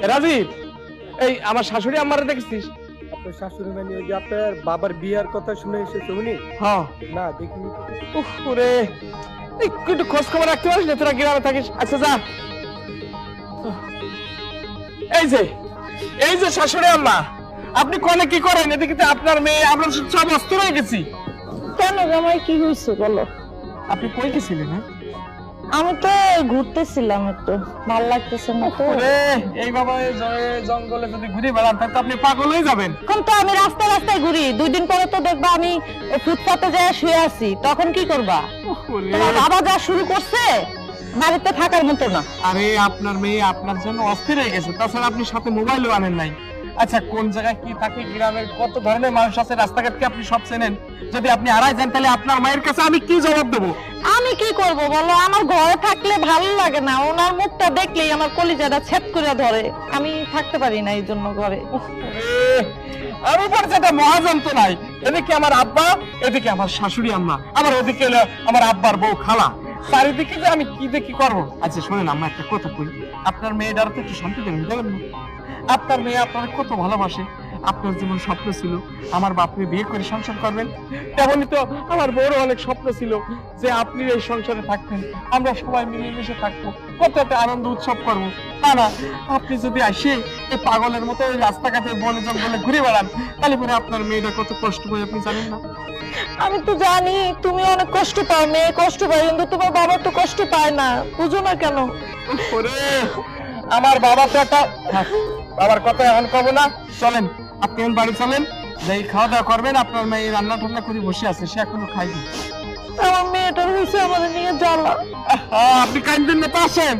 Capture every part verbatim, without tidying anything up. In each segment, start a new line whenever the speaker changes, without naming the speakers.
রাজীব, এই আমার শাশুড়ি আম্মারে দেখছিস?
আপনার শাশুড়ি মানে ওই যে আপনার বাবার বিয়ার কথা শুনে এসেছে উনি?
হ্যাঁ।
না দেখিনি।
উফ রে, একটু একটু খোঁজ খবর রাখতে পারিস না? তোরা গ্রামে থাকিস। আচ্ছা যা। এই যে এই যে শাশুড়ি আম্মা, আপনি কোনে কি করেন? এদিকে তো আপনার মেয়ে, আমরা সব অস্থির হয়ে গেছি।
কেন জামাই, কি হয়েছে বলো?
আপনি কই গেছিলেন? হ্যাঁ,
আমি তো ঘুরতেছিলাম, একটু ভালো লাগতেছে না তো।
ওরে, এই বাবা এই জঙ্গলে যদি ঘুরে বেড়ান তাহলে তো আপনি পাগল হয়ে যাবেন।
এখন তো আমি রাস্তায় রাস্তায় ঘুরি, দুই দিন পরে তো দেখবা আমি ফুটপাতে যায় শুয়ে আছি, তখন কি করবা?
ওরে,
তোমার বাবা যা শুরু করছে বাড়িতে থাকার মতো না।
আরে আপনার মেয়ে আপনার জন্য অস্থির হয়ে গেছে, তাছাড়া আপনি সাথে মোবাইলও আনেন নাই। আচ্ছা, কোন জায়গায় কি থাকে, গ্রামের কত ধরনের মানুষ আছে, রাস্তাঘাট কি আপনি সব চেনেন? যদি আপনি হারাই যান তাহলে আপনার মায়ের কাছে আমি কি জবাব দেবো?
আমি কি করব বলো? আমার ঘরে থাকলে ভালো লাগে না, ওনার মুখটা দেখলেই আমার কলিজাটা ছেদ করে ধরে, আমি থাকতে পারি না এই জন্য ঘরে।
আমি পড়ছে একটা মহাযন্ত্রণায়, এদিকে আমার আব্বা, এদিকে আমার শাশুড়ি আম্মা, আমার ওদিকে হলো আমার আব্বার বউ খালা, চারিদিকে যে আমি কি দেখি করবো। আচ্ছা শোনেন আম্মা, একটা কথা কই, আপনার মেয়েটার তো একটু শান্তি দেবেন, দেবেন না? আপনার মেয়ে আপনার কত ভালোবাসে। আপনার যেমন স্বপ্ন ছিল আমার বাপরে বিয়ে করে সংসার করবেন, তেমনই তো আমার বড় অনেক স্বপ্ন ছিল যে আপনি এই সংসারে থাকতেন, আমরা সবাই মিলেমিশে থাকবো, কত একটা আনন্দ উৎসব করবো। তা না, আপনি যদি আসে এই পাগলের মতো ওই রাস্তাঘাটে বনে জঙ্গলে ঘুরে বেড়ান, তাহলে পরে আপনার মেয়েটা কত কষ্ট পায় আপনি জানেন না?
আমি তো জানি তুমি অনেক কষ্ট পাও, মেয়ে কষ্ট পায়, কিন্তু তোমার বাবা তো কষ্ট পায় না, বুঝো না কেন?
ওরে, আমার বাবা তো একটা, বাবার কথা এখন কব না। চলেন আপনি এখন বাড়ি চলেন, যাই খাওয়া দাওয়া করবেন। আপনার মেয়ে রান্না টান্না করে বসে আছে, সে এখনো খাইনি।
আমার মেয়েটার হয়েছে আমাদের নিয়ে জ্বালা।
আহা, আপনি কাঁদবেন না তো, আসেন।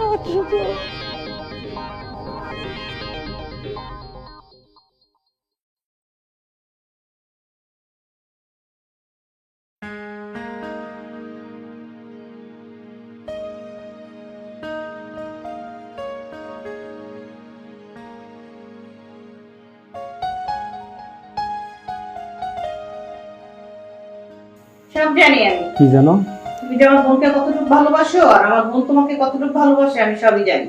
সব জানি আমি।
কি জানো?
তুমি যে আমার বোনকে কতটুকু ভালোবাসো আর আমার বোন তোমাকে কতটুকু ভালোবাসে আমি সবই জানি।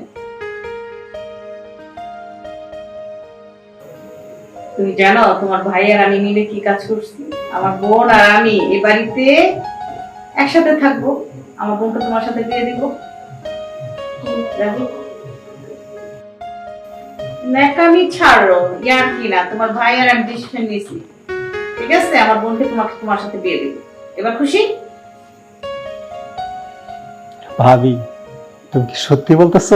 তুমি জানো তোমার ভাই আর আমি মিলে কি কাজ করছি? আমার বোন আর আমি এই বাড়িতে একসাথে থাকবো, আমার বোনকে তোমার সাথে বিয়ে দিব। ন্যাকামি ছাড়ো, ইয়ার কি না, তোমার ভাই আর আমি ডিসিশন নিয়েছি, ঠিক আছে? আমার বোনকে তোমাকে তোমার সাথে বিয়ে দিব। এবার খুশি?
ভাবি, তুমি কি সত্যি বলতেছো?